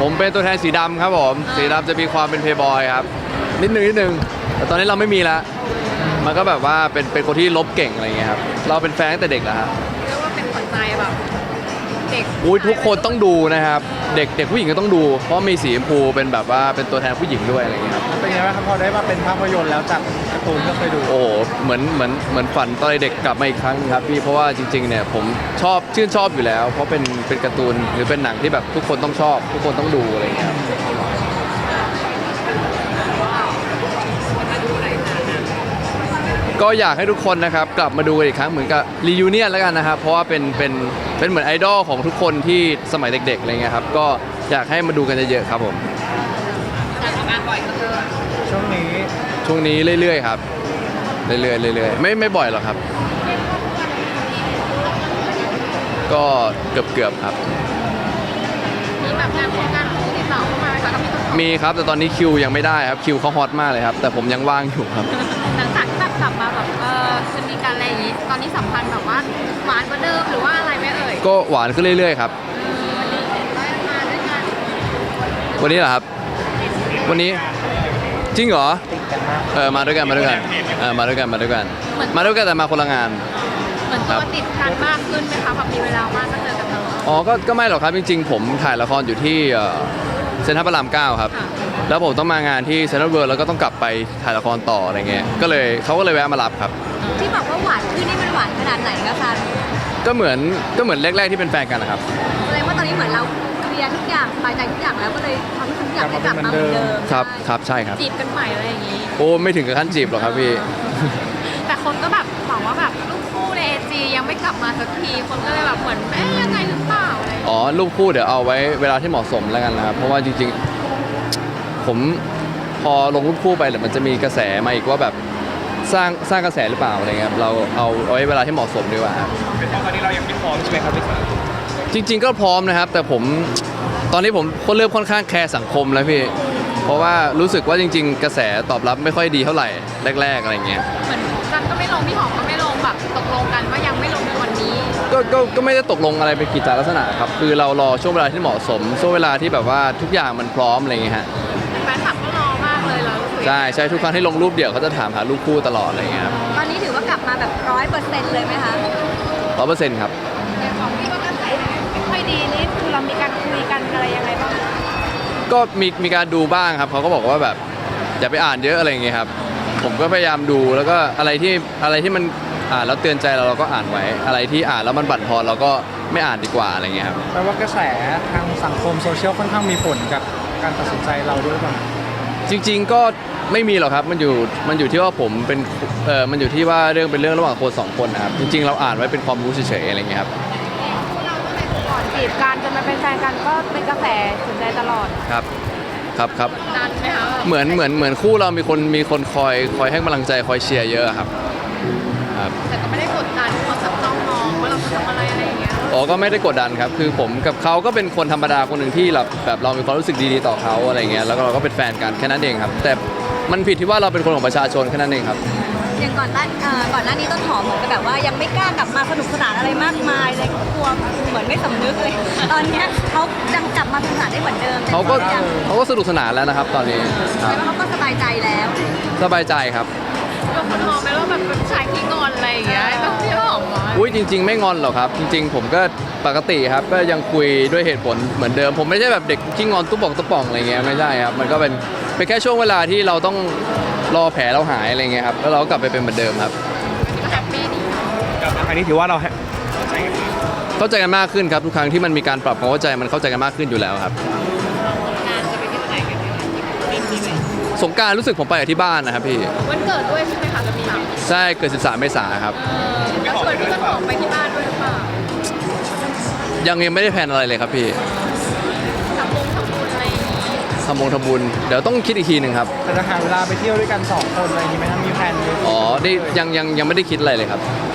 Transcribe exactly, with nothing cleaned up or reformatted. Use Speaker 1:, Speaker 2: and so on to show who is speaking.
Speaker 1: ผมเป็นตัวแทนสีดำครับผมสีดำจะมีความเป็นเพย์บอยครับนิดนึงนิดนึงแต่ตอนนี้เราไม่มีแล้วมันก็แบบว่าเป็นเป็นคนที่ลบเก่งอะไรเงี้ยครับเราเป็นแฟนตั้งแต่เด็กแล้วฮะ
Speaker 2: เรียกว่าเป็นขวัญใจแบบเด็ก
Speaker 1: อุ้ยทุกคนต้องดูนะครับเด็กเด็กผู้หญิงก็ต้องดูเพราะมีสีชมพูเป็นแบบว่าเป็นตัวแทนผู้หญิงด้วยอะไรเงี้ยครับ
Speaker 3: เป็นไงบ้างครับพอได้มาเป็นภาพยนตร์แล้วจากการ์ตูนก็เคยดู
Speaker 1: โอ้โหเหมือนเหมือนเหมือนฝันตอนเด็กกลับมาอีกครั้งครับพี่เพราะว่าจริงๆเนี่ยผมชอบชื่นชอบอยู่แล้ว เพราะเป็นเป็นการ์ตูนหรือเป็นหนังที่แบบทุกคนต้องชอบ ทุกคนต้องดูอะไรเงี้ยครับก็อยากให้ทุกคนนะครับกลับมาดูกันอีกครั้งเหมือนกับรียูเนียนแล้วกันนะครับเพราะว่าเป็นเป็นเป็นเหมือนไอดอลของทุกคนที่สมัยเด็กๆอะไรเงี้ยครับก็อยากให้มาดูกันเยอะๆครับผม
Speaker 2: การทำงานบ่อยก็คือ
Speaker 3: ช่วงนี้
Speaker 1: ช่วงนี้เรื่อยๆครับเรื่อยๆเรื่อยๆไม่ไม่บ่อยหรอกครับก็เกือบๆครับ
Speaker 2: มีแบบงานโครงการของติดต่อเข้ามาไหมคะกับพี่ต้น
Speaker 1: มีครับแต่ตอนนี้คิวยังไม่ได้ครับคิวเขาฮอตมากเลยครับแต่ผมยังว่างอยู่ครับ
Speaker 2: หลังจากแบบกลับมาแบบเออจะมีการอะไรอย่างนี้ตอนนี้สัมพันธ์แบบว่าหวานกว่าเดิมหรือว่าอะไรไหมเอ่ย
Speaker 1: ก็หวานขึ้นเรื่อยๆครับ
Speaker 2: วันนี้เห็นว่ามาด้วยกัน
Speaker 1: วันนี้เหรอครับวันนี้จริงเหรอเออมาด้วยกันมาด้วยกันเออมาด้วยกันมาด้วยกันมาด้วยกันแต่มาคนละงาน
Speaker 2: เหมือนตัวติดกันมากขึ้นไหมคะพอมีเวลามากก็เจอกันตลอด
Speaker 1: อ๋อก็ก็ไม่หรอกครับจริงๆผมถ่ายละครอยู่ที่เซ็นทรัลพระรามเก้าครับแล้วผมต้องมางานที่เซ็นทรัลเวิลด์แล้วก็ต้องกลับไปถ่ายละครต่ออะไรเงี้ยก็เลยเขาก็เลยแวะมารับครับ
Speaker 2: ที่บอกว่าหวานขึ้นนี่มันหวานขนาดไหนคะซัน
Speaker 1: ก็เหมือนก็เหมือนแรกๆที่เป็นแฟนกันนะครับ
Speaker 2: แสดงว่าตอนนี้เหมือนเราเคลียร์ทุกอย่างสบายใจทุกอย่างแล้วก็เลยทำให้ทุกอย่างได้กลับมาเหมือนเดิม
Speaker 1: ครับครับใช่ครับ
Speaker 2: จีบกันใหม่อะไรอย่างนี้
Speaker 1: โอ้ไม่ถึงกับขั้นจีบหรอกครับพี่
Speaker 2: แต่คนก็แบบบอกว่าแบบลูกคู่ในเอจียังไม่กลับมาสักทีคนก็เลยแบบเหมือนเอ๊ะยังไงหรือเปล่าอะไร
Speaker 1: อ๋อลูกคู่เดี๋ยวเอาไว้เวลาที่เหมาะสมแล้วกันนะครับเพราะว่าจริงๆผมพอลงรูปคู่ไปเดี๋ยวมันจะมีกระแสมาอีกว่าแบบสร้างสร้างกระแสหรือเปล่าอะไรเงี้ยเราเอาเอาไว้เวลาที่เหมาะสมดีกว่าครับ
Speaker 3: เป็นเพราะตอนนี้เรายังไม่พร้อมใช่ไหมครับพี่สัน
Speaker 1: จริงๆก็พร้อมนะครับแต่ผมตอนนี้ผมเริ่มค่อนข้างแคร์สังคมแล้วพี่เพราะว่ารู้สึกว่าจริงๆกระแสตอบรับไม่ค่อยดีเท่าไหร่แรกๆอะไรเงี้ย
Speaker 2: เหมือนกันก็ไม่ลงพี่หอมก็ไม่ลงแบบตกลงกันว่ายังไม่ลงในวันนี้
Speaker 1: ก็ก็ก็ไม่ได้ตกลงอะไรเป็นกิจลักษณะครับคือเรารอช่วงเวลาที่เหมาะสมช่วงเวลาที่แบบว่าทุกอย่างมันพร้อมอะไรเงี้ยฮะ
Speaker 2: แฟนคลับก็รอมากเลยเรา
Speaker 1: ใช่ใช่ทุกครั้งที่ลงรูปเดี่ยวเขาจะถามหารูปคู่ตลอดอะไรเงี้ยครับ
Speaker 2: ตอนนี้ถือว่ากลับมาแบบร้อยเปอร์เซ็นต์เลยไหมคะ
Speaker 1: ร้อยเปอร์เซ็นต์ครับ
Speaker 2: แต่ของพี่ก็กระแสไม่ค่อยดีนี่คือเรามีการคุยกันอะไรยังไงบ้าง
Speaker 1: ก็มีมีการดูบ้างครับเขาก็บอกว่าแบบอย่าไปอ่านเยอะอะไรอย่างเงี้ยครับผมก็พยายามดูแล้วก็อะไรที่อะไรที่มันอ่านแล้วเตือนใจเราเราก็อ่านไว้อะไรที่อ่านแล้วมันบั่นทอนเราก็ไม่อ่านดีกว่าอะไรเงี้ยครับ
Speaker 3: แปลว่ากระแสทางสังคมโซเชียลค่อนข้างมีผลกับการตัดสินใจเราด้วยป่ะ
Speaker 1: จริงๆก็ไม่มีหรอกครับมันอยู่มันอยู่ที่ว่าผมเป็นเออมันอยู่ที่ว่าเรื่องเป็นเรื่องระหว่างคนสองคนนะครับจริงๆเราอ่านไว้เป็นความรู้เฉยๆอะไรเงี้ยครับ
Speaker 2: ก่อนจีบกันจนมาเป็นแฟนกันก็เป็นกระแสสนใจตลอด
Speaker 1: ครับครับครับ
Speaker 2: นานไหมคะ
Speaker 1: เหมือนเหมือนเหมือนคู่เรามีคนมีคนคอยคอยให้กำลังใจคอยเชียร์เยอะครับ
Speaker 2: ครับแต่ก็ไม่ได้กดดันเขาจับจ้องมองว่าเราจะทำอะไรอะไรอย่างเงี้ย
Speaker 1: อ๋อก็ไม่ได้กดดันครับคือผมกับเขาก็เป็นคนธรรมดาคนหนึ่งที่แบบแบบเรามีความรู้สึกดีๆต่อเขาอะไรเงี้ยแล้วก็เราก็เป็นแฟนกันแค่นั้นเองครับแต่มันผิดที่ว่าเราเป็นคนของประชาชนแค่นั้นเองครับ
Speaker 2: อย่างก่อนหน้าก่อนหน้านี้ต้นหอมเหมือนกับแบบว่ายังไม่กล้ากลับมาสนุกสนานอะไรมากมายเลยกลัวเหมือนไม่สำนึกเลยตอนนี้เขายังกลับมาสนุกสนานได้เหมือนเดิม
Speaker 1: เขาก็เขาก็สนุกสนานแล้วนะครับตอนนี้
Speaker 2: แล้วเขาก็สบายใจแล้ว
Speaker 1: สบายใจครับ
Speaker 2: บางคนมองไหมว่าแบบเป็นชายขี้งอนอะไรอย่างเงี้ยแบบพี่หอม
Speaker 1: อุ้ยจริงๆไม่งอนหรอกครับจริงๆผมก็ปกติครับก็ยังคุยด้วยเหตุผลเหมือนเดิมผมไม่ใช่แบบเด็กขี้งอนตุ๊บป่องตุ๊บป่องอะไรเงี้ยไม่ใช่ครับมันก็เป็นเป็นแค่ช่วงเวลาที่เราต้องรอแผลเราหายอะไรเงี้ยครับแล้วเราก็กลับไปเป็นเหมือนเดิมครับ
Speaker 2: แฮปปี้ดี
Speaker 3: กลับมาครั้งนี้ถือว่าเรา
Speaker 1: เข้าใจกันมากขึ้นครับทุกครั้งที่มันมีการปรับความเข้าใจมันเข้าใจกันมากขึ้นอยู่แล้วครับ
Speaker 2: งานจะไปที่ไหนกัน
Speaker 1: สงกรานต์รู้สึกผมไปกับที่บ้านนะครับพี่
Speaker 2: วันเกิดด้วยใช่ไหมคะจะมี
Speaker 1: ใช่เกิดสิบสามเมษายนครับ
Speaker 2: แล้วชวนพี่ต้นหอมไปที่บ้านด้วยหรือเปล่า
Speaker 1: ยังยังไม่ได้แพลนอะไรเลยครับพี่
Speaker 2: ทำบุญทำบุญอะไร
Speaker 1: ทำบุญทำบุญเดี๋ยวต้องคิดอีกทีหนึ่งครับ
Speaker 3: แต่จะหาเวลาไปเที่ยวด้วยกันสองคนอะไรอย่างนี้ไหมครับมีแพลนไหม
Speaker 1: อ๋อได้ยังยังยังไม่ได้คิดอะไรเลยครับ